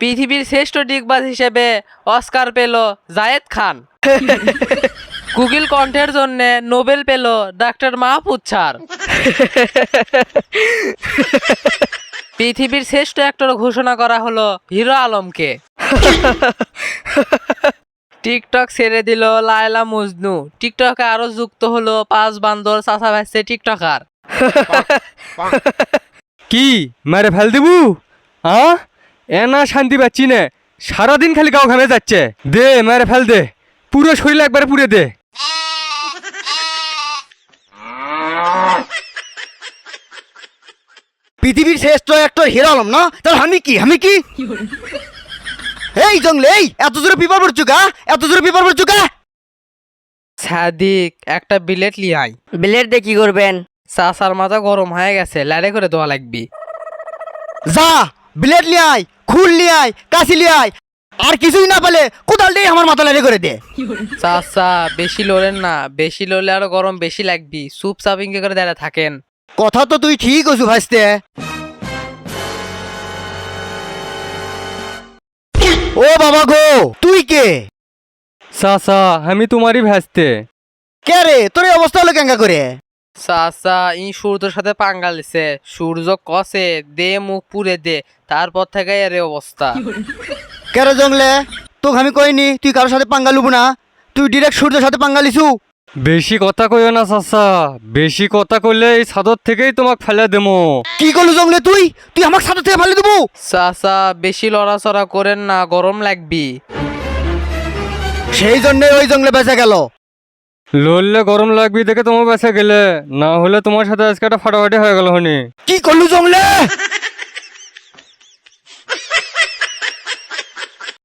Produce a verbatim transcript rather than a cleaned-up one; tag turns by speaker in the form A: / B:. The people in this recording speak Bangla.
A: পৃথিবীর শ্রেষ্ঠ ডিগবাজ হিসেবে অস্কার পেল জায়েদ খান। গুগল কণ্ঠের জন্য নোবেল পেল ডাক্তার মাহফুজ স্যার। পৃথিবীর শ্রেষ্ঠ অ্যাক্টর ঘোষণা করা হলো হিরো আলমকে। টিকটক ছেড়ে দিল লায়লা মজনু। টিকটকে আরো যুক্ত হলো পাঁচ বান্দর চাচা ভাইসে টিকটকার।
B: কি মারে ফেল দিবু? হ্যাঁ এনা শান্তি পাচ্ছি না, সারাদিন খালি গাও ঘামে যাচ্ছে। দে মারে ফেল দে, পুরো শরীর একবারে পুড়ে দে।
C: পৃথিবীর শ্রেষ্ঠ অ্যাক্টর হিরো আলম না, তাহলে আমি কি আমি কি এই জঙ্গলে এই এত জোরে পিপার পড়ছু কা এত জোরে পিপার পড়ছু কা
A: সাদিক একটা বিলেট লিয়াই।
D: ব্লেড দিয়ে কি করবেন?
A: চাচার মাথা গরম হয়ে গেছে, লাড়ে করে দেওয়া লাগবি।
C: যা ব্লেড লিয়াই, খুল লিয়াই, কাশি লিয়াই, আর কিছুই না পেলে কোদাল দিয়ে আমার মাথা লাড়ি করে দে।
A: চাচা বেশি লড়েন না, বেশি লড়লে আরো গরম বেশি লাগবি। সুপ চাপিংকে করে দাঁড়া থাকেন।
C: কথা তো তুই ঠিক আছু ভাইস্তে। ও বাবা গো, তুই কে?
B: চাচা আমি তোমারই ভাসতে।
C: কে রে, তোর এই অবস্থা হলো কেঙ্গা করে?
A: চাচা ই সূর্যের সাথে পাঙ্গা লিছে। সূর্য কষে দে মুখ পুড়ে দে, তারপর থেকে এর এই অবস্থা।
C: কে রে জঙ্গলে, তোকে আমি কইনি তুই কারোর সাথে পাঙ্গা লুবু না, তুই ডিরেক্ট সূর্যের সাথে পাঙ্গা লিছু।
B: বেশি কথা কইও না চাচা, বেশি কথা কইলে এই ছাদর থেকেই তোমাকে ফেলে দেবো।
C: কি করলু জঙ্গলে, তুই তুই আমার সাথে থেকে ফেলে দেবো?
A: চাচা বেশি লড়াচড়া করেন না, গরম লাগবি।
C: সেই জন্য ওই জঙ্গলে বেঁচে গেল।
B: লড়লে গরম লাগবি দেখে তোমার বেঁচে গেলে, না হলে তোমার সাথে আজকে একটা ফাটাফাটি হয়ে গেল হনি।
C: কি করলু জঙ্গলে?